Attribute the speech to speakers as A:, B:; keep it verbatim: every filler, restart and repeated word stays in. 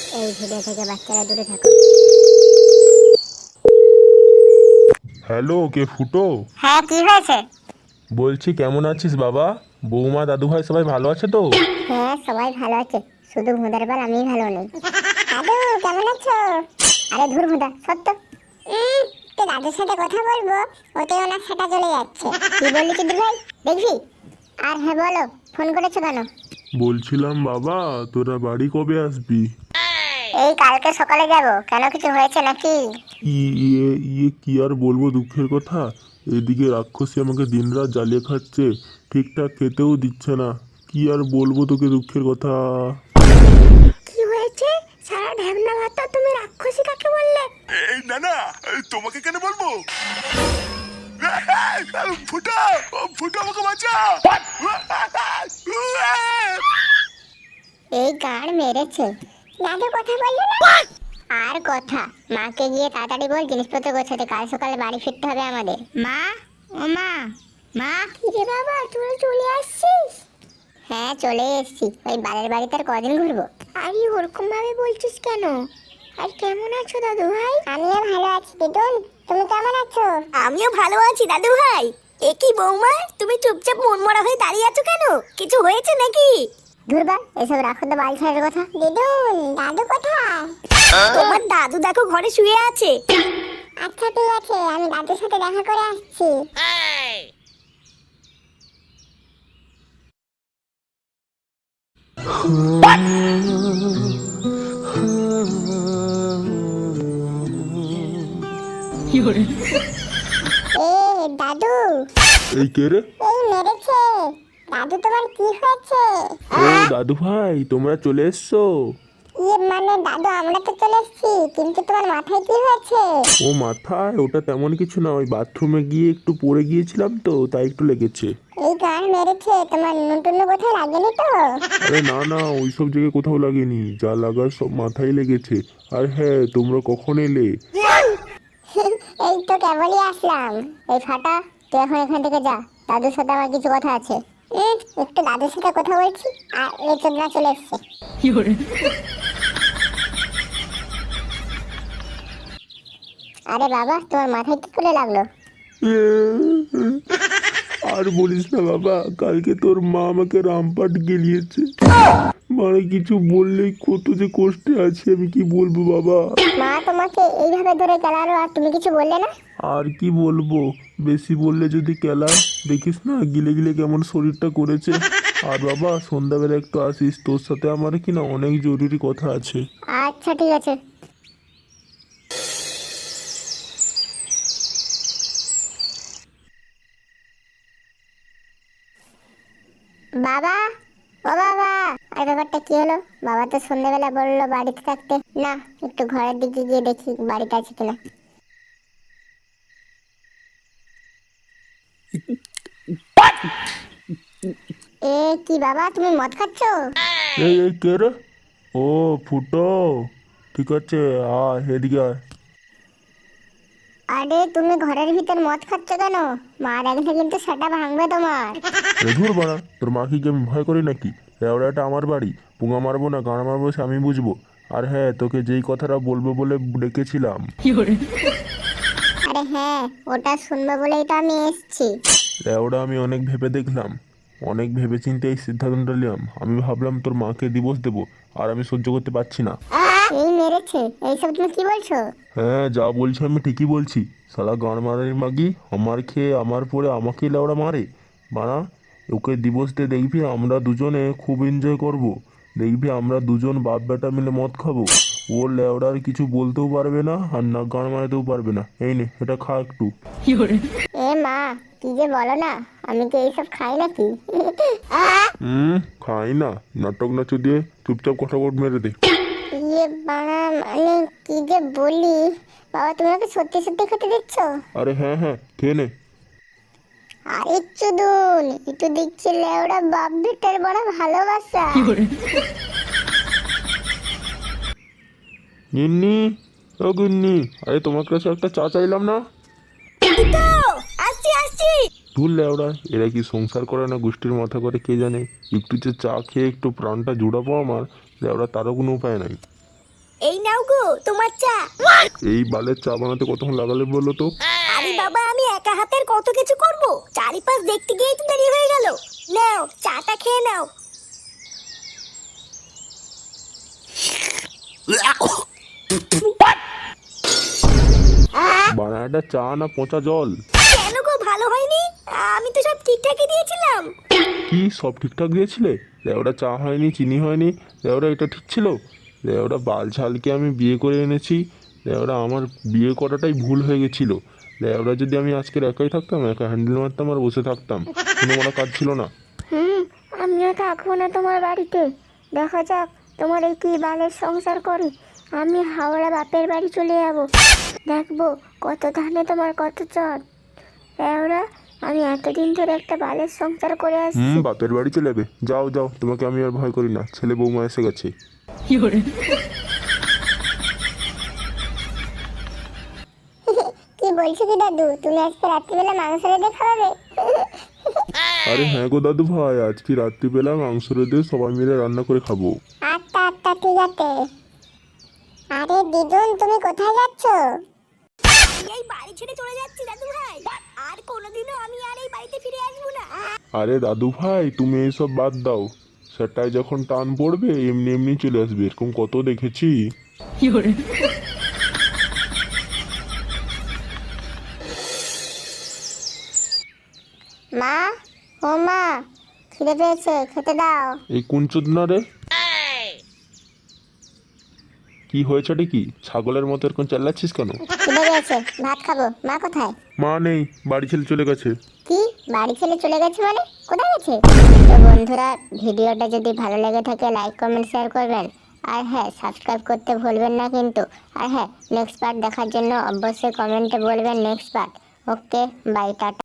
A: এই ভিডিও থেকে বাচ্চারা দূরে থাকো।
B: হ্যালো, কে ফুটো?
A: হ্যাঁ, কি হয়েছে?
B: বলছি কেমন আছিস বাবা? বৌমা দাদু ভাই সবাই ভালো আছে তো?
A: হ্যাঁ, সবাই ভালো আছে, শুধু ভুঁদার বাল আমি ভালো নেই। দাদু কেমন আছো? আরে ধুর ভুঁদা, সত্য তো দাদুর সাথে কথা বলবো, ওতে ওনার সেটা চলে যাচ্ছে। কি বললি চুদির ভাই, দেখবি? আর হ্যাঁ বলো, ফোন করেছো কেন?
B: বলছিলাম বাবা, তোরা বাড়ি কবে আসবি?
A: এই কালকে সকালে যাব। কেন, কিছু হয়েছে নাকি?
B: ই- ইয়ে ইয়ে কি আর বলবো দুঃখের কথা। এদিকে রাক্ষসী আমাকে দিনরাত জ্বালিয়ে খাচ্ছে, ঠিকঠাক খেতেও দিচ্ছে না। কি আর বলবো তোকে দুঃখের কথা।
A: কি হয়েছে? সারা ঢ্যাবনা ভাতা তুমি রাক্ষসী কাকে বললে?
B: এই না না, তোমাকে কেন বলবো? ফুটো, ফুটো আমাকে বাঁচা।
A: এই গাড় মেরেছে। দাদু কথা বললো না? আর কথা, মাকে গিয়ে তাড়াতাড়ি বল জিনিসপত্র গোছাতে, কাল সকালে বাড়ি ফিরতে হবে আমাদের। মা, ও মা, মা। কিরে বাবা, তুই চলে আসছিস? হ্যাঁ, চলে এসেছি। ওই বালের বাড়িতে আর কদিন ঘুরবো? আরে ওরকম ভাবে বলছিস কেন? আর কেমন আছো দাদু ভাই? আমিও ভালো আছি দিদুন, তুমি কেমন আছো?
C: আমিও ভালো আছি দাদু ভাই। এ কি বৌমা, তুমি চুপচাপ মনমরা হয়ে দাঁড়িয়ে আছো কেন? কিছু হয়েছে নাকি?
A: ধুরবা, এসব রাখো তো বাল ছাড়ের কথা। দিদুন, দাদু কোথায়?
C: তোমার দাদু দেখো ঘরে শুয়ে আছে।
A: আচ্ছা ঠিক আছে, আমি দাদুর সাথে দেখা করে আসছি। এ দাদু,
B: এই কে রে?
A: এই মেরেছে। দাদু তোমার কি হয়েছে?
B: ও দাদু ভাই, তোমরা চলে এসছো?
A: ইয়ে মানে দাদু, আমরা তো চলে এসেছি, কিন্তু তোমার মাথায় কি হয়েছে?
B: ও মাথায় ওটা তেমন কিছু না, ওই বাথরুমে গিয়ে একটু পড়ে গিয়েছিলাম তো, তাই একটু লেগেছে।
A: এই গান মেরেছে, তোমার নতুন কোথায় লাগেনি তো?
B: আরে না না, ওইসব জায়গায় কোথাও লাগেনি, যা লাগার সব মাথায় লেগেছে। আর হ্যাঁ, তোমরা কখন এলে?
A: এই তো কেবলই আসলাম। এই ফাটা, তুই এখন এখান থেকে যা, দাদুর সাথে আমার কিছু কথা আছে। উম, একটু দাদুর সাথে কথা বলছি, আর এই চোদনা চলে এসছে। আরে বাবা, তোমার মাথায় কি করে লাগলো?
B: আর বলিস না বাবা, কালকে তোর মা আমাকে রামপাট গেলিয়েছে। মানে কিছু বললেই কত যে কষ্টে আছি, আমি কি বলবো বাবা।
A: মা তোমাকে এইভাবে ধরে গেলালো আর তুমি কিছু বললে না?
B: আর কি বলবো, বেশি বললে যদি কেলা, দেখিস না গিলে গিলে কেমন শরীরটা করেছে। আর বাবা, সন্ধ্যাবেলা একটু আসিস, তোর সাথে আমার কি না অনেক জরুরি কথা আছে।
A: আচ্ছা ঠিক আছে। বাবা, ও বাবা। আর ব্যাপারটা কি হলো? বাবা তো সন্ধ্যাবেলা বললো বাড়িতে থাকতে। না, একটু ঘরের দিকে গিয়ে দেখি বাড়িতে আছে কিনা। এ কি বাবা, তুমি মদ খাচ্ছ?
B: এই এই কে রে? ও ফুটো, ঠিক আছে, আয় এদিকে আয়।
A: আরে তুমি ঘরের ভিতর মদ খাচ্ছ কেন? মা দেখলে কিন্তু সেটা ভাঙবে তোমার।
B: ধুর বাড়া, তোর মাকে কি আমি ভয় করি নাকি? এটা আমার বাড়ি, পুঙা মারবো না গাঁড় মারবো সে আমি বুঝবো। আর হ্যাঁ, তোকে যেই কথাটা বলবো বলে ডেকেছিলাম।
A: আরে হ্যাঁ, ওটা শুনবো বলেই তো আমি এসেছি।
B: ওটা আমি অনেক ভেবে দেখলাম, অনেক ভেবে চিন্তে এই সিদ্ধান্তটা নিলাম। আমি ভাবলাম তোর মাকে ডিভোর্স দেবো, আর আমি সহ্য করতে পারছি না।
A: এই মেরেছে, এইসব তুমি কি বলছো?
B: হ্যাঁ, যা বলছি আমি ঠিকই বলছি। শালা গাঁড় মারানি মাগি আমার খেয়ে আমার পরে আমাকে লেওড়া মারে। বানা, ওকে ডিভোর্স দিয়ে দেখবি আমরা দুজনে খুব এনজয় করব। দেখবি আমরা দুজন বাপ বেটা মিলে মদ খাবো। ও লেওড়ার কিছু বলতেও পারবে না, আর না গাঁড় মারাতেও পারবে না। এই নে, এটা খা একটু।
A: এ মা, কি যে বলো না, আমি কি এইসব খাই নাকি?
B: হুম, খাই না, নাটক নাচু দিয়ে চুপচাপ কথা বট মেরে দে।
A: ইয়ে বাড়া, মানে কি যে বলি। বাবা, তুমি আমাকে সত্যি সত্যি খেতে দিচ্ছ?
B: আরে হ্যাঁ হ্যাঁ, খেয়ে নে।
A: আরে চুদুন, একটু দেখছি লেওড়া বাপ বেটার বড় ভালোবাসা।
B: গিন্নি, ও গিন্নি, আরে তোমার কাছে একটা চা চাইলাম না?
C: এই তো আসছি আসছি।
B: ভুল লেওড়া, এরা কি সংসার করে না গোষ্ঠীর মাথা করে কে জানে। একটু যে চা খেয়ে একটু প্রাণটা জুড়াবো আমার, লেওড়া তারও কোনো উপায় নাই।
C: এই নাও গো তোমার চা।
B: এই বালের চা বানাতে কতক্ষণ লাগালে বলো তো?
C: আরে বাবা আমি একা হাতের কত কিছু করব, চারিপাশ দেখতে গিয়েই তো দেরি হয়ে গেল। নাও চাটা খেয়ে নাও।
B: বানানাটা চা না পচা জল?
C: কেন গো ভালো হয়নি? আমি তো সব ঠিকঠাকই দিয়েছিলাম।
B: কি সব ঠিকঠাক দিয়েছিলে? লেওটা চা হয়নি, চিনি হয়নি, লেওটা এটা ঠিক ছিল? লেওটা বাল ছালকে আমি বিয়ে করে এনেছি, লেওটা আমার বিয়ে করাটাই ভুল হয়ে গেছিলো। লেওটা যদি আমি আজকের একাই থাকতাম, একা হ্যান্ডেল মারতাম আর বসে থাকতাম, কোনো বড় কাজ ছিল না।
A: হুম, আমিও থাকবো না তোমার বাড়িতে। দেখা যাক তোমার এই কি বালের সংসার করে। আমি হাওড়া বাপের বাড়ি চলে যাবো, দেখবো কত ধানে তোমার কত চট। ওরা আমি এতদিন ধরে একটা বালের সংসার করে আসছি।
B: হুম, বাপের বাড়ি চলে যাবে? যাও যাও, তোমাকে আমি আর ভয় করি না, ছেলে বৌমা এসে গেছে।
A: কি বলছো কি দাদু, তুমি আজকে রাত্রিবেলা মাংস রেঁধে খাওয়াবে?
B: আরে হ্যাঁ গো দাদু ভাই, আজকে রাত্রিবেলা মাংস রেঁধে সবাই মিলে রান্না করে খাবো।
A: আচ্ছা আচ্ছা ঠিক আছে। আরে দিদুন তুমি কোথায় যাচ্ছ?
C: এই বাড়ি ছেড়ে চলে যাচ্ছি দাদু ভাই, আর কোনোদিনও আমি আর এই বাড়িতে ফিরে আসবো না।
B: আরে দাদু ভাই তুমি এইসব বাদ দাও, সেটাই যখন টান পড়বে এমনি এমনি চলে আসবে, এরকম কত দেখেছি।
A: মা, ও মা, খিদে পেয়েছে, খেতে দাও।
B: এই কোন চোদনা রে? কি হয়েছেটা কি? ছাগলের মতো এরকম চাল্লাচ্ছিস কেন?
A: খিদে পেয়েছে, ভাত খাবো। মা কোথায়?
B: মা নেই, বাড়ি ছেড়ে চলে গেছে।
A: কি বাড়ি ছেড়ে চলে গেছে মানে? কোথায় গেছে? তো বন্ধুরা, ভিডিওটা যদি ভালো লেগে থাকে লাইক কমেন্ট শেয়ার করবেন, আর হ্যাঁ সাবস্ক্রাইব করতে ভুলবেন না কিন্তু। আর হ্যাঁ নেক্সট পার্ট দেখার জন্য অবশ্যই কমেন্টে বলবেন next part. Okay bye, tata.